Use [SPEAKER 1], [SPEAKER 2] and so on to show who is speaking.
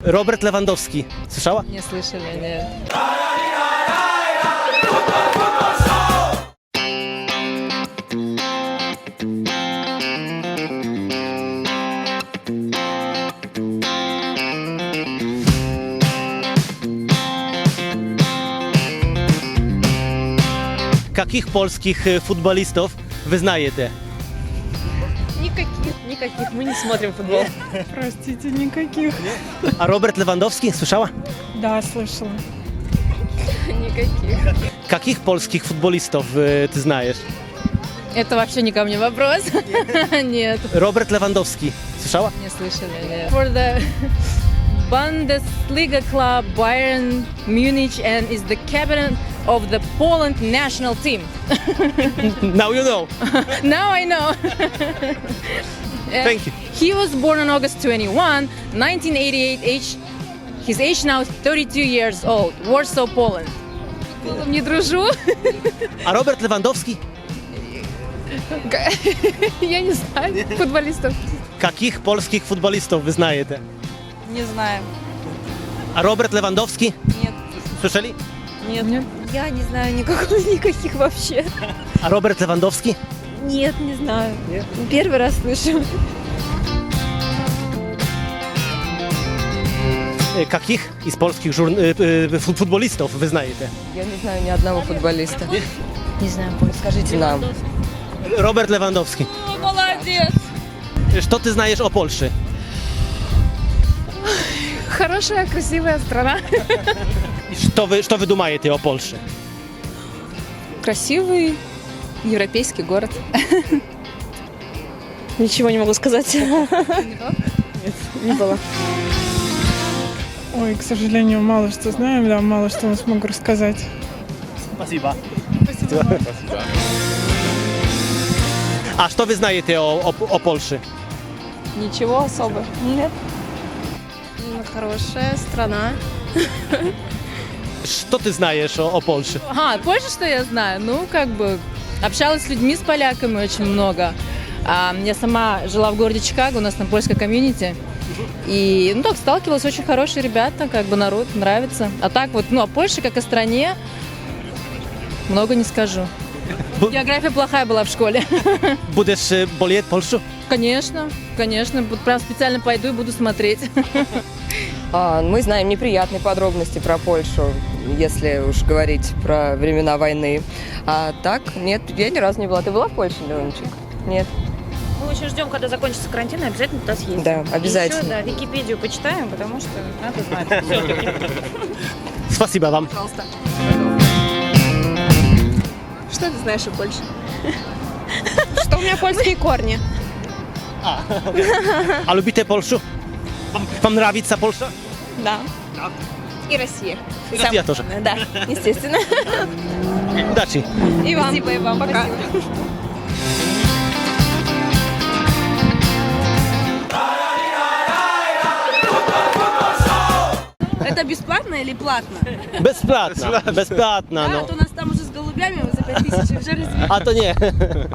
[SPEAKER 1] Robert Lewandowski. Słyszała?
[SPEAKER 2] Не слышали, нет.
[SPEAKER 1] Каких polskich futbolistów wyznajecie?
[SPEAKER 2] Никаких. Мы не смотрим футбол.
[SPEAKER 3] Простите, никаких.
[SPEAKER 1] A Robert Lewandowski? Słyszała?
[SPEAKER 3] Да, слышала.
[SPEAKER 2] Никаких.
[SPEAKER 1] Каких polskich futbolistów ty znajesz?
[SPEAKER 2] Это вообще не ко мне вопрос. Нет.
[SPEAKER 1] Robert Lewandowski. Słyszała?
[SPEAKER 2] Не слышали, нет. For the Bundesliga club Bayern Munich and is the captain of the Poland national team.
[SPEAKER 1] Now you know.
[SPEAKER 2] Now I know.
[SPEAKER 1] Thank you.
[SPEAKER 2] He was born on August 21, 1988. His age now is 32 years old. Warsaw, Poland. Не дружу.
[SPEAKER 1] A Robert Lewandowski?
[SPEAKER 2] Я не знаю футболистов.
[SPEAKER 1] Каких polskich futbolistów wyznajecie?
[SPEAKER 4] Не знаю.
[SPEAKER 1] A Robert Lewandowski?
[SPEAKER 4] Нет.
[SPEAKER 1] Słyszeli?
[SPEAKER 4] Нет. Я не знаю никаких вообще.
[SPEAKER 1] A Robert Lewandowski?
[SPEAKER 4] Нет, не знаю. Первый раз слышу.
[SPEAKER 1] Каких из polskich futbolistów wyznajecie?
[SPEAKER 5] Я не знаю ни одного футболиста.
[SPEAKER 4] Не знаю,
[SPEAKER 5] Скажите нам.
[SPEAKER 1] Robert Lewandowski.
[SPEAKER 2] Молодец.
[SPEAKER 1] Co ty znajesz o Polsce?
[SPEAKER 2] Хорошая, красивая страна.
[SPEAKER 1] Что вы думаете о Польше?
[SPEAKER 2] Красивый европейский город.
[SPEAKER 4] Ничего не могу сказать.
[SPEAKER 2] Не было.
[SPEAKER 3] Ой, к сожалению, мало что знаем, да, мало что смогу рассказать.
[SPEAKER 1] Спасибо. A co wy znajecie o Polsce?
[SPEAKER 4] Ничего особо. Нет. Хорошая страна.
[SPEAKER 1] Что ты знаешь о Польше?
[SPEAKER 2] Ага, Польша, что я знаю? Ну, как бы, общалась с людьми, с поляками очень много. Я сама жила в городе Чикаго, у нас там польская комьюнити. И, ну, так, сталкивалась, очень хорошие ребята, как бы народ, нравится. А так вот, ну, о Польше, как о стране, много не скажу. География плохая была в школе.
[SPEAKER 1] Будешь болеть Польшу?
[SPEAKER 2] Конечно, конечно. Вот прям специально пойду и буду смотреть.
[SPEAKER 5] Мы знаем неприятные подробности про Польшу, если уж говорить про времена войны. А так, нет, я ни разу не была. Ты была в Польше, Ленчик? Нет?
[SPEAKER 6] Мы очень ждем, когда закончится карантин, и обязательно туда съездим.
[SPEAKER 5] Да, обязательно.
[SPEAKER 6] И еще, да, Википедию почитаем, потому что надо знать все-таки.
[SPEAKER 1] Спасибо вам.
[SPEAKER 5] Пожалуйста.
[SPEAKER 4] Что ты знаешь о Польше? Что у меня польские корни.
[SPEAKER 1] A lubicie Polskę? Wam nравится Polsza?
[SPEAKER 4] Да. И Россия.
[SPEAKER 1] Россия тоже.
[SPEAKER 4] Да, естественно.
[SPEAKER 1] Удачи.
[SPEAKER 4] И вам. Спасибо, и вам. Пока.
[SPEAKER 7] Это бесплатно или платно?
[SPEAKER 1] Bezpłatna. Bezpłatna,
[SPEAKER 7] А
[SPEAKER 1] no.
[SPEAKER 7] то у нас там уже с голубями за 5000 уже развели.
[SPEAKER 1] A to nie.